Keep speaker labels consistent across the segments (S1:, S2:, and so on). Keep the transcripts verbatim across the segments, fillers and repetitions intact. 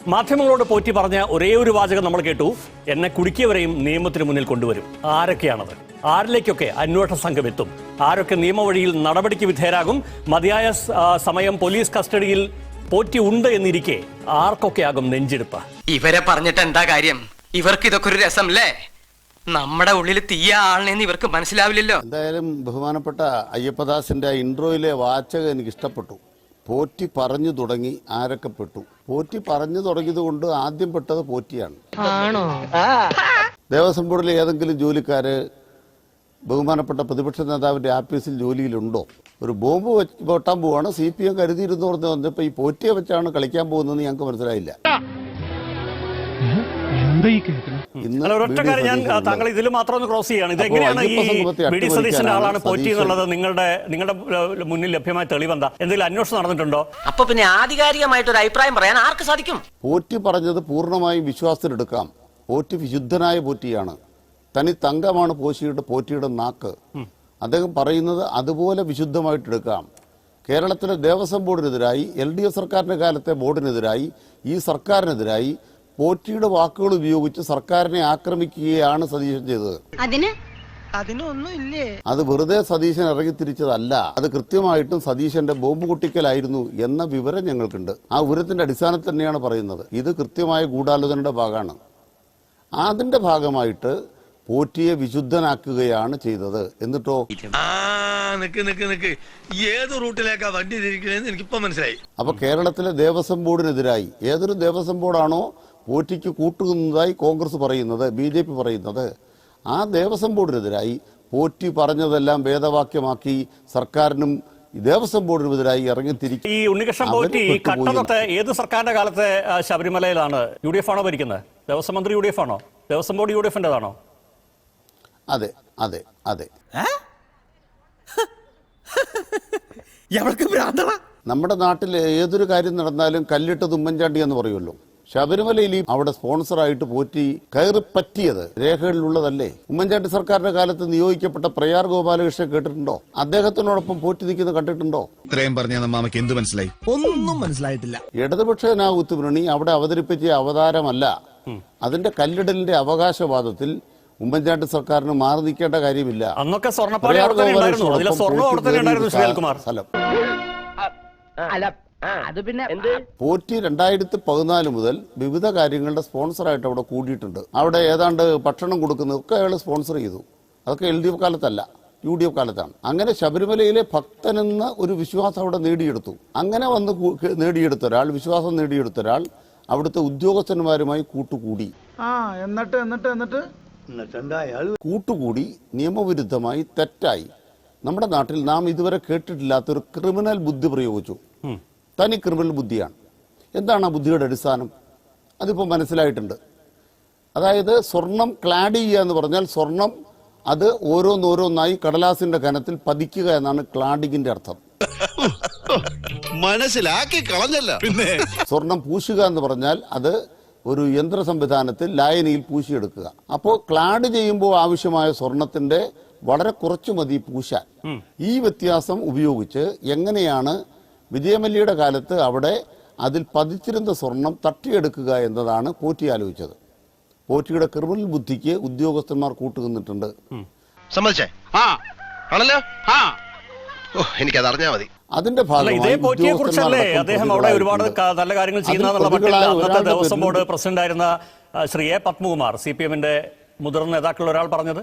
S1: മാധ്യമങ്ങളോട് പോറ്റി പറഞ്ഞ ഒരേ ഒരു വാചകം നമ്മൾ കേട്ടു, എന്നെ കുടുക്കിയവരെയും നിയമത്തിന് മുന്നിൽ കൊണ്ടുവരും. ആരൊക്കെയാണത്? ആരിലേക്കൊക്കെ അന്വേഷണ സംഘം എത്തും? ആരൊക്കെ നിയമവഴിയിൽ നടപടിക്ക് വിധേയരാകും? മതിയായ സമയം പോലീസ് കസ്റ്റഡിയിൽ പോറ്റി ഉണ്ട് എന്നിരിക്കെ ആർക്കൊക്കെയാകും നെഞ്ചെടുപ്പ്?
S2: ഇവരെ പറഞ്ഞിട്ട് എന്താ കാര്യം? ഇവർക്ക് ഇതൊക്കെ ഒരു രസമല്ലേ? നമ്മുടെ ഉള്ളിൽ തീയ ആളിനെന്ന് ഇവർക്ക് മനസ്സിലാവില്ലല്ലോ.
S3: എന്തായാലും ബഹുമാനപ്പെട്ട അയ്യപ്പദാസിന്റെ ഇൻട്രോയിലെ വാചകം എനിക്ക് ഇഷ്ടപ്പെട്ടു. പോറ്റി പറഞ്ഞു തുടങ്ങി ആരൊക്കെ പെട്ടു. പോറ്റി പറഞ്ഞു തുടങ്ങിയത് കൊണ്ട് ആദ്യം പെട്ടത് പോറ്റിയാണ്. ദേവസ്വം ബോർഡിലെ ഏതെങ്കിലും ജോലിക്കാര് ബഹുമാനപ്പെട്ട പ്രതിപക്ഷ നേതാവിന്റെ ആഫീസിൽ ജോലിയിലുണ്ടോ? ഒരു ബോംബ് വെട്ടാൻ പോവാണ്, സി പി എം കരുതിയിരുന്നു പറഞ്ഞു വന്നപ്പോ ഈ പോറ്റിയെ വെച്ചാണ് കളിക്കാൻ പോകുന്നതെന്ന് ഞങ്ങൾക്ക് മനസ്സിലായില്ല.
S1: ഞാൻ താങ്കൾ ഇതിൽ മാത്രം ഒന്ന് ക്രോസ് ചെയ്യാണ്. ഇതെങ്ങനെയാണ് ഈ ബി ഡി സതീശന്റെ ആളാണ് പോറ്റി എന്നുള്ളത് നിങ്ങളുടെ നിങ്ങളുടെ മുന്നിൽ ലഭ്യമായ തെളിവെന്താ? എന്തെങ്കിലും അന്വേഷണം നടന്നിട്ടുണ്ടോ?
S2: അപ്പൊ പിന്നെ ആധികാരികമായിട്ട് ഒരു അഭിപ്രായം പറയാൻ ആർക്ക് സാധിക്കും?
S3: പോറ്റി പറഞ്ഞത് പൂർണ്ണമായും വിശ്വാസത്തിലെടുക്കാം. പോറ്റി വിശുദ്ധനായ പോറ്റിയാണ്. തനി തങ്കമാണ് പോറ്റിയുടെ പോറ്റിയുടെ നാക്ക്. അദ്ദേഹം പറയുന്നത് അതുപോലെ വിശുദ്ധമായിട്ടെടുക്കാം. കേരളത്തിലെ ദേവസ്വം ബോർഡിനെതിരായി, എൽ ഡി എഫ് സർക്കാരിന്റെ കാലത്തെ ബോർഡിനെതിരായി, ഈ സർക്കാരിനെതിരായി പോറ്റിയുടെ വാക്കുകൾ ഉപയോഗിച്ച് സർക്കാരിനെ ആക്രമിക്കുകയാണ് സതീശൻ ചെയ്തത്. അത് വെറുതെ സതീശൻ ഇറങ്ങിത്തിരിച്ചതല്ല. അത് കൃത്യമായിട്ടും സതീശന്റെ ബോംബ് പൊട്ടിക്കലായിരുന്നു എന്ന വിവരം ഞങ്ങൾക്കുണ്ട്. ആ വിവരത്തിന്റെ അടിസ്ഥാനത്തിൽ തന്നെയാണ് പറയുന്നത്. ഇത് കൃത്യമായ ഗൂഢാലോചനയുടെ ഭാഗമാണ്. അതിന്റെ ഭാഗമായിട്ട് പോറ്റിയെ വിശുദ്ധനാക്കുകയാണ് ചെയ്തത്. എന്നിട്ടോ
S4: ഏത് റൂട്ടിലേക്കാ വണ്ടി തിരിക്കണേന്ന് എനിക്കിപ്പോ മനസ്സിലായി.
S3: അപ്പൊ കേരളത്തിലെ ദേവസ്വം ബോർഡിനെതിരായി, ഏതൊരു ദേവസ്വം ബോർഡാണോ പോറ്റിക്ക് കൂട്ടുന്നതായി കോൺഗ്രസ് പറയുന്നത്, ബി ജെ പി പറയുന്നത്, ആ ദേവസ്വം ബോർഡിനെതിരായി പോറ്റി പറഞ്ഞതെല്ലാം വേദവാക്യമാക്കി സർക്കാരിനും ദേവസ്വം ബോർഡിനെതിരായി ഇറങ്ങിത്തിരിക്കും.
S1: ഈ ഉണ്ണികൃഷ്ണൻ പോറ്റി കട്ടതൊട്ട് ഏത് സർക്കാരിന്റെ കാലത്തെ ശബരിമലയിലാണ്? യു ഡി എഫ് ആണോ ഭരിക്കുന്നത്? ദേവസ്വം മന്ത്രി യു ഡി എഫ് ആണോ? ദേവസ്വം ബോർഡ് യു ഡി എഫിന്റേതാണോ?
S3: അതെ അതെ അതെ. നമ്മുടെ നാട്ടിൽ ഏതൊരു കാര്യം നടന്നാലും കല്ലിട്ടത് ഉമ്മൻചാണ്ടി എന്ന് പറയുമല്ലോ. ശബരിമലയിൽ അവിടെ സ്പോൺസറായിട്ട് പോറ്റി കയറി പറ്റിയത് രേഖകളിലുള്ളതല്ലേ? ഉമ്മൻചാണ്ടി സർക്കാരിന്റെ കാലത്ത് നിയോഗിക്കപ്പെട്ട പ്രയാർ ഗോപാലകൃഷ്ണൻ കേട്ടിട്ടുണ്ടോ? അദ്ദേഹത്തിനോടൊപ്പം പോറ്റി നിൽക്കുന്നത് കണ്ടിട്ടുണ്ടോ?
S4: ഇത്രയും പറഞ്ഞ മാമയ്ക്ക് എന്ത് മനസ്സിലായി? ഒന്നും മനസ്സിലായിട്ടില്ല.
S3: ഇടതുപക്ഷ ജനാധിപത്യ മുന്നണി അവിടെ അവതരിപ്പിച്ച അവതാരമല്ല. അതിന്റെ കല്ലിടലിന്റെ അവകാശവാദത്തിൽ ഉമ്മൻചാണ്ടി സർക്കാരിന് മാറി നിൽക്കേണ്ട കാര്യമില്ല.
S1: അന്നൊക്കെ സ്ഥലം
S3: പോറ്റി രണ്ടായിരത്തി പതിനാല് മുതൽ വിവിധ കാര്യങ്ങളുടെ സ്പോൺസറായിട്ട് അവിടെ കൂടിയിട്ടുണ്ട്. അവിടെ ഏതാണ്ട് ഭക്ഷണം കൊടുക്കുന്നതൊക്കെ അയാൾ സ്പോൺസർ ചെയ്തു. അതൊക്കെ എൽ ഡി എഫ് കാലത്തല്ല, യു ഡി എഫ് കാലത്താണ്. അങ്ങനെ ശബരിമലയിലെ ഭക്തനെന്ന ഒരു വിശ്വാസം അവിടെ നേടിയെടുത്തു. അങ്ങനെ വന്ന് നേടിയെടുത്ത ഒരാൾ, വിശ്വാസം നേടിയെടുത്ത ഒരാൾ അവിടുത്തെ ഉദ്യോഗസ്ഥന്മാരുമായി കൂട്ടുകൂടി.
S5: എന്നിട്ട് എന്നിട്ട് എന്നിട്ട്
S3: കൂട്ടുകൂടി നിയമവിരുദ്ധമായി തെറ്റായി നമ്മുടെ നാട്ടിൽ നാം ഇതുവരെ കേട്ടിട്ടില്ലാത്തൊരു ക്രിമിനൽ ബുദ്ധി പ്രയോഗിച്ചു. തനി ക്രിമിനൽ ബുദ്ധിയാണ്. എന്താണ് ആ ബുദ്ധിയുടെ അടിസ്ഥാനം? അതിപ്പോൾ മനസ്സിലായിട്ടുണ്ട്. അതായത് സ്വർണം ക്ലാഡ് ചെയ്യുക എന്ന് പറഞ്ഞാൽ സ്വർണം അത് ഓരോന്നോരോന്നായി കടലാസിന്റെ കനത്തിൽ പതിക്കുക എന്നാണ് ക്ലാഡിങ്ങിന്റെ അർത്ഥം.
S4: മനസ്സിലാക്കി കളഞ്ഞല്ല. പിന്നെ
S3: സ്വർണം പൂശുക എന്ന് പറഞ്ഞാൽ അത് ഒരു യന്ത്ര സംവിധാനത്തിൽ ലായനിയിൽ പൂശിയെടുക്കുക. അപ്പോൾ ക്ലാഡ് ചെയ്യുമ്പോൾ ആവശ്യമായ സ്വർണത്തിന്റെ വളരെ കുറച്ചു മതി പൂശാൻ. ഈ വ്യത്യാസം ഉപയോഗിച്ച് എങ്ങനെയാണ് വിജയമല്യയുടെ കാലത്ത് അവിടെ അതിൽ പതിച്ചിരുന്ന സ്വർണം തട്ടിയെടുക്കുക എന്നതാണ് പോറ്റി ആലോചിച്ചത്. പോറ്റിയുടെ ക്രിമിനൽ ബുദ്ധിക്ക് ഉദ്യോഗസ്ഥന്മാർ കൂട്ടുനിന്നിട്ടുണ്ട്.
S4: എനിക്കത് അറിഞ്ഞാൽ മതി.
S3: അതിന്റെ ഭാഗമായി
S1: അദ്ദേഹം അവിടെ ഒരുപാട് നല്ല കാര്യങ്ങൾ ചെയ്യുന്ന ദേവസ്വം ബോർഡ് പ്രസിഡന്റ് ആയിരുന്ന Shri A Padmakumar, C P എമ്മിന്റെ മുതിർന്ന നേതാക്കളിൽ ഒരാൾ പറഞ്ഞത്,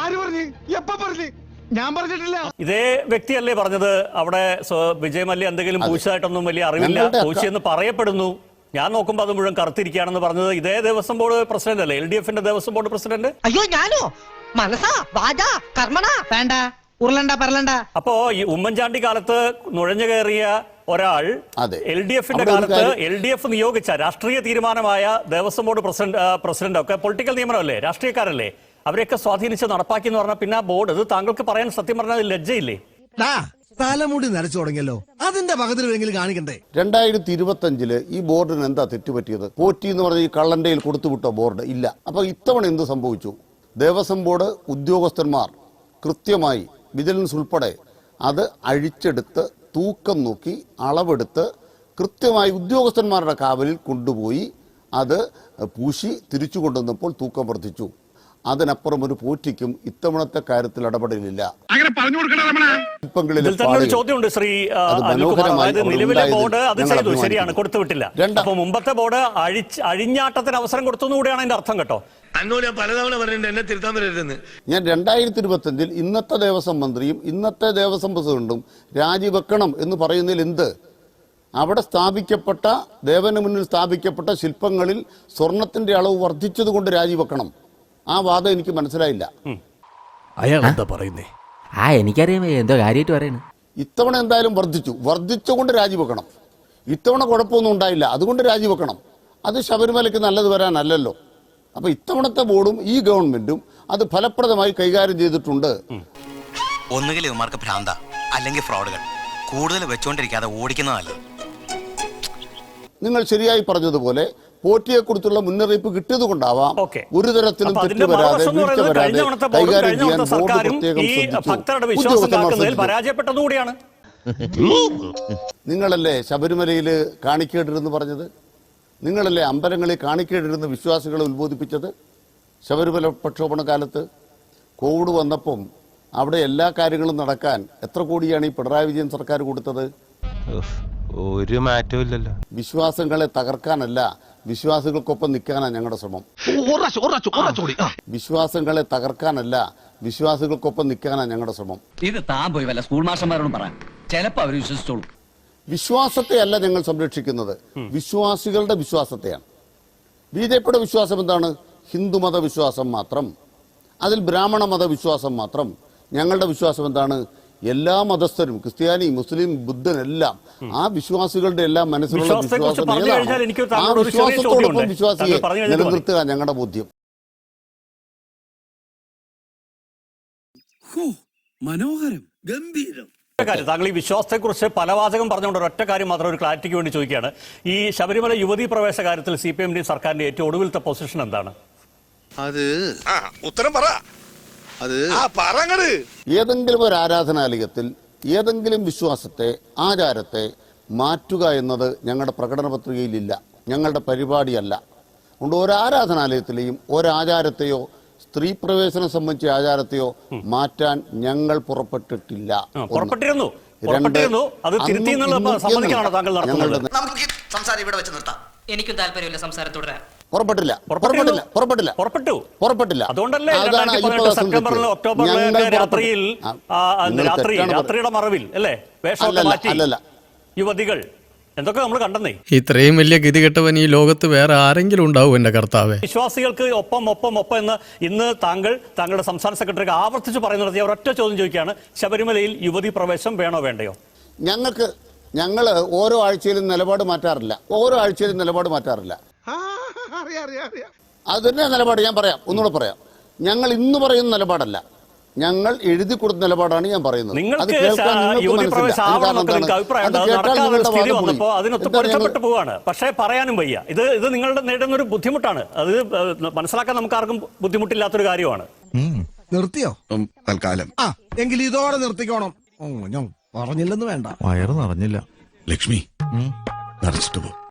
S5: ഞാൻ പറഞ്ഞിട്ടില്ല.
S1: ഇതേ വ്യക്തിയല്ലേ പറഞ്ഞത് അവിടെ വിജയമല്യ എന്തെങ്കിലും പൂശായിട്ടൊന്നും വലിയ അറിവില്ല, പൂശിയെന്ന് പറയപ്പെടുന്നു, ഞാൻ നോക്കുമ്പോൾ അത് മുഴുവൻ കറുത്തിരിക്കുകയാണെന്ന് പറഞ്ഞത് ഇതേ ദേവസ്വം ബോർഡ് പ്രസിഡന്റ് അല്ലേ? എൽ ഡി എഫിന്റെ ദേവസ്വം ബോർഡ് പ്രസിഡന്റ്.
S2: അയ്യോ ഞാനോ? മനസ്സാ വാചാ കർമ്മണാ വേണ്ട ഉരുളണ്ട പറലണ്ട. അപ്പോ ഈ ഉമ്മൻചാണ്ടി കാലത്ത് നുഴഞ്ഞു കയറിയ ഒരാൾ എൽ ഡി എഫിന്റെ കാലത്ത് എൽ ഡി എഫ് നിയോഗിച്ച രാഷ്ട്രീയ തീരുമാനമായ ദേവസ്വം ബോർഡ് പ്രസിഡന്റ് പ്രസിഡന്റ് ഒക്കെ പൊളിറ്റിക്കൽ നിയമനമല്ലേ, രാഷ്ട്രീയക്കാരല്ലേ, അവരെയൊക്കെ സ്വാധീനിച്ച് നടപ്പാക്കി എന്ന് പറഞ്ഞാൽ പിന്നെ ആ ബോർഡ്, ഇത് താങ്കൾക്ക് പറയാൻ സത്യം പറഞ്ഞാൽ ലജ്ജയില്ലേ?
S6: തലമുടി നരച്ചു തുടങ്ങിയല്ലോ, അതിന്റെ പകത്തിലെങ്കിലും കാണിക്കണ്ടേ?
S3: രണ്ടായിരത്തി ഇരുപത്തി അഞ്ചില് ഈ ബോർഡിന് എന്താ തെറ്റുപറ്റിയത്? പോറ്റി എന്ന് പറഞ്ഞ ഈ കള്ളന്റെയിൽ കൊടുത്തുവിട്ട ബോർഡ് ഇല്ല. അപ്പൊ ഇത്തവണ എന്ത് സംഭവിച്ചു? ദേവസ്വം ബോർഡ് ഉദ്യോഗസ്ഥന്മാർ കൃത്യമായി വിജിലൻസ് ഉൾപ്പെടെ അത് അഴിച്ചെടുത്ത് തൂക്കം നോക്കി അളവെടുത്ത് കൃത്യമായി ഉദ്യോഗസ്ഥന്മാരുടെ കാവലിൽ കൊണ്ടുപോയി അത് പൂശി തിരിച്ചു കൊണ്ടുവന്നപ്പോൾ തൂക്കം വർദ്ധിച്ചു. അതിനപ്പുറം ഒരു പോറ്റിക്കും ഇത്തവണത്തെ കാര്യത്തിൽ ഇടപെടലില്ല.
S1: ഇതിൽ തന്നെ ഒരു ചോദ്യമുണ്ട് ശ്രീ ആ, അനിൽകുമാർ. അതായത് നിലവിലെ ബോർഡ് അത് ചെയ്തു, ശരിയാണ്, കൊടുത്തുവിട്ടില്ല. അപ്പൊ മുമ്പത്തെ ബോർഡ് അഴിച്ച് അഴിഞ്ഞാട്ടത്തിന് അവസരം കൊടുത്തു കൂടെയാണ് അതിന്റെ അർത്ഥം കേട്ടോ.
S7: പലതവണ പറഞ്ഞിട്ടുണ്ട് എന്നെ തിരുത്താൻ വരരുതെന്ന്.
S3: ഞാൻ രണ്ടായിരത്തി ഇരുപത്തി അഞ്ചിൽ ഇന്നത്തെ ദേവസ്വം മന്ത്രിയും ഇന്നത്തെ ദേവസ്വം പ്രസിഡന്റും രാജിവെക്കണം എന്ന് പറയുന്നതിൽ എന്ത്? അവിടെ സ്ഥാപിക്കപ്പെട്ട ദേവന് മുന്നിൽ സ്ഥാപിക്കപ്പെട്ട ശില്പങ്ങളിൽ സ്വർണത്തിന്റെ അളവ് വർദ്ധിച്ചതുകൊണ്ട് രാജിവെക്കണം. ആ വാദം എനിക്ക് മനസ്സിലായില്ല.
S1: അയാൾ എന്താ പറയുന്നേ?
S8: ആ എനിക്കറിയാം എന്തോ കാര്യമായിട്ട് പറയുന്നത്.
S3: ഇത്തവണ എന്തായാലും വർദ്ധിച്ചു, വർദ്ധിച്ചുകൊണ്ട് രാജിവെക്കണം. ഇത്തവണ കുഴപ്പമൊന്നും ഉണ്ടായില്ല, അതുകൊണ്ട് രാജിവെക്കണം. അത് ശബരിമലയ്ക്ക് നല്ലത് വരാനല്ലല്ലോ. അപ്പൊ ഇത്തവണത്തെ ബോർഡും ഈ ഗവൺമെന്റും അത് ഫലപ്രദമായി കൈകാര്യം ചെയ്തിട്ടുണ്ട്.
S9: ഒന്നുകിൽ ഇവന്മാർക്ക് ഭ്രാന്ത, അല്ലെങ്കിൽ ഫ്രോഡുകൾ. കൂടുതൽ വെച്ചുകൊണ്ടിരിക്കാതെ ഓടിക്കുന്നത് നല്ലത്.
S3: നിങ്ങൾ ശരിയായി പറഞ്ഞതുപോലെ പോറ്റിയെ കുറിച്ചുള്ള മുന്നറിയിപ്പ് കിട്ടിയത് കൊണ്ടാവാം ഒരു തരത്തിലും തെറ്റ് വരാതെ വീഴ്ച വരാതെ കൈകാര്യം ചെയ്യാൻ ബോർഡ് പ്രത്യേകം ശ്രദ്ധിച്ചു.
S1: പരാജയപ്പെട്ടതുകൂടിയാണ്.
S3: നിങ്ങളല്ലേ ശബരിമലയില് കാണിക്കേണ്ടിരുന്ന് പറഞ്ഞത്? നിങ്ങളല്ലേ അമ്പലങ്ങളിൽ കാണിക്കേണ്ടിരുന്ന വിശ്വാസികളെ ഉത്ബോധിപ്പിച്ചത്? ശബരിമല പ്രക്ഷോഭണ കാലത്ത് കോവിഡ് വന്നപ്പം അവിടെ എല്ലാ കാര്യങ്ങളും നടക്കാൻ എത്ര കോടിയാണ് ഈ പിണറായി വിജയൻ സർക്കാർ കൊടുത്തത്?
S7: ഒരു മാറ്റവും ഇല്ലല്ലോ.
S3: വിശ്വാസങ്ങളെ തകർക്കാനല്ല, വിശ്വാസികൾക്കൊപ്പം നിൽക്കാനാണ് ഞങ്ങളുടെ ശ്രമം. വിശ്വാസങ്ങളെ തകർക്കാനല്ല, വിശ്വാസികൾക്കൊപ്പം നിൽക്കാനാണ് ഞങ്ങളുടെ ശ്രമം.
S10: ഇത് താൻ പോയി വല്ല സ്കൂൾ മാസ്റ്റർമാരോടും പറയാം, ചിലപ്പോ അവർ വിശ്വസിച്ചോളൂ.
S3: വിശ്വാസത്തെ അല്ല ഞങ്ങൾ സംരക്ഷിക്കുന്നത്, വിശ്വാസികളുടെ വിശ്വാസത്തെയാണ്. ബി ജെ പിയുടെ വിശ്വാസം എന്താണ്? ഹിന്ദുമത വിശ്വാസം മാത്രം, അതിൽ ബ്രാഹ്മണ മത വിശ്വാസം മാത്രം. ഞങ്ങളുടെ വിശ്വാസം എന്താണ്? എല്ലാ മതസ്ഥരും, ക്രിസ്ത്യാനി, മുസ്ലിം, ബുദ്ധൻ എല്ലാം ആ വിശ്വാസികളുടെ എല്ലാം മനസ്സിലുള്ള വിശ്വാസം ഏതാണ് ആ വിശ്വാസത്തോടൊപ്പം വിശ്വാസിയെ നിലനിർത്തുക ഞങ്ങളുടെ ബോധ്യം.
S6: മനോഹരം, ഗംഭീരം.
S1: കാര്യം താങ്കൾ ഈ വിശ്വാസത്തെക്കുറിച്ച് പല വാചകം പറഞ്ഞുകൊണ്ട് ഒരൊറ്റ കാര്യം മാത്രം ഒരു ക്ലാരിറ്റിക്ക് വേണ്ടി ചോദിക്കുകയാണ്. ഈ ശബരിമല യുവതീ പ്രവേശ കാര്യത്തിൽ സി പി എമ്മിന്റെയും സർക്കാരിന്റെ ഏറ്റവും ഒടുവിലത്തെ പൊസിഷൻ എന്താണ്?
S4: അത് ഉത്തരം പറ. അത്
S3: ഏതെങ്കിലും ഒരു ആരാധനാലയത്തിൽ ഏതെങ്കിലും വിശ്വാസത്തെ, ആചാരത്തെ മാറ്റുക എന്നത് ഞങ്ങളുടെ പ്രകടന പത്രികയിലില്ല, ഞങ്ങളുടെ പരിപാടിയല്ല. അതുകൊണ്ട് ഒരു ആരാധനാലയത്തിലെയും ഒരാചാരത്തെയോ സ്ത്രീ പ്രവേശനം സംബന്ധിച്ച ആചാരത്തെയോ മാറ്റാൻ ഞങ്ങൾ പുറപ്പെട്ടിട്ടില്ല.
S1: പുറപ്പെട്ടിരുന്നു പുറപ്പെട്ടിരുന്നു അത് തിരുത്തി സമ്മതിക്കാനാണോ താങ്കൾ നടത്തുന്നത്?
S9: നമുക്ക് സംസാരം ഇവിടെ വെച്ച് നിർത്താം.
S10: എനിക്കും താല്പര്യമില്ല സംസാരം തുടരാൻ.
S3: പുറപ്പെട്ടില്ല പുറപ്പെട്ടില്ല പുറപ്പെട്ടില്ല
S1: പുറപ്പെട്ടു
S3: പുറപ്പെട്ടില്ല
S1: അതുകൊണ്ടല്ലേ സെപ്റ്റംബറിൽ ഒക്ടോബറിൽ രാത്രിയിൽ രാത്രി രാത്രിയുടെ മറവിൽ അല്ലേ വേഷമൊക്കെ മാറ്റി യുവതികൾ എന്തൊക്കെ നമ്മൾ കണ്ടെന്നേ.
S11: ഇത്രയും വലിയ ഗതികെട്ടവൻ ഈ ലോകത്ത് വേറെ ആരെങ്കിലും ഉണ്ടാവും എന്റെ കർത്താവേ.
S1: വിശ്വാസികൾക്ക് ഒപ്പം ഒപ്പം ഒപ്പം എന്ന് ഇന്ന് താങ്കൾ താങ്കളുടെ സംസ്ഥാന സെക്രട്ടറിക്ക് ആവർത്തിച്ച് പറയുന്ന നടത്തിയ ഒരൊറ്റ ചോദ്യം ചോദിക്കുകയാണ്, ശബരിമലയിൽ യുവതി പ്രവേശം വേണോ വേണ്ടയോ?
S3: ഞങ്ങൾക്ക് ഞങ്ങൾ ഓരോ ആഴ്ചയിലും നിലപാട് മാറ്റാറില്ല, ഓരോ ആഴ്ചയിലും നിലപാട് മാറ്റാറില്ല. അത് തന്നെ നിലപാട് ഞാൻ പറയാം, ഒന്നുകൂടെ പറയാം. ഞങ്ങൾ ഇന്ന് പറയുന്ന നിലപാടല്ല, ഞങ്ങൾ എഴുതി കൊടുത്ത നിലപാടാണ് ഞാൻ പറയുന്നത്.
S1: നിങ്ങൾക്ക് അതിനൊത്ത് പൊരുത്തപ്പെട്ടു പോവാണ്, പക്ഷേ പറയാനും വയ്യ. ഇത് ഇത് നിങ്ങളുടെ നേടുന്ന ഒരു ബുദ്ധിമുട്ടാണ്, അത് മനസ്സിലാക്കാൻ നമുക്ക് ആർക്കും ബുദ്ധിമുട്ടില്ലാത്തൊരു കാര്യമാണ്.
S6: നിർത്തിയോ
S4: തൽക്കാലം?
S6: ആ എങ്കിൽ ഇതോടെ നിർത്തിക്കോണം. പറഞ്ഞില്ലെന്ന് വേണ്ട.
S4: വയറ് നിറഞ്ഞില്ല ലക്ഷ്മി, നിറച്ചിട്ട് പോ.